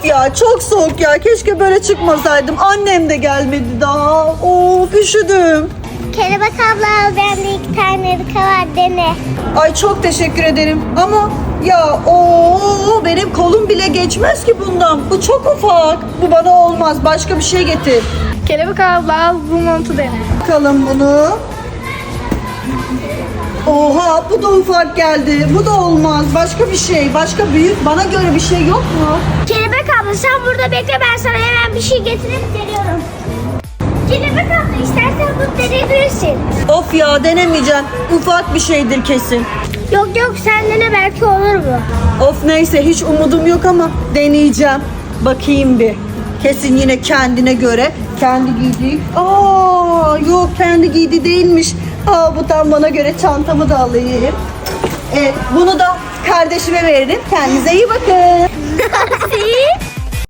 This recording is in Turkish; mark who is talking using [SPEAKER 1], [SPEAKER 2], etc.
[SPEAKER 1] ya çok soğuk ya. Keşke böyle çıkmasaydım. Annem de gelmedi daha. Of üşüdüm.
[SPEAKER 2] Kelebek abla al, bende 2 tane ırka var, dene.
[SPEAKER 1] Ay çok teşekkür ederim. Ama ya benim kolum bile geçmez ki bundan. Bu çok ufak. Bu bana olmaz. Başka bir şey getir.
[SPEAKER 3] Kelebek abla al, bu montu dene.
[SPEAKER 1] Bakalım bunu. Oha bu da ufak geldi. Bu da olmaz. Başka bir şey. Başka büyük. Bana göre bir şey yok mu?
[SPEAKER 2] Kelebek abla sen burada bekle, ben sana hemen bir şey getirip geliyorum. Kelebek abla istersen bunu deneyebilirsin.
[SPEAKER 1] Of ya denemeyeceğim. Ufak bir şeydir kesin.
[SPEAKER 2] Yok sen dene, belki olur bu.
[SPEAKER 1] Of neyse hiç umudum yok ama deneyeceğim. Bakayım bir. Kesin yine kendine göre. Kendi giydiği. Yok kendi giydi değilmiş. Bu tam bana göre, çantamı da alayım. Bunu da kardeşime veririm. Kendinize iyi bakın.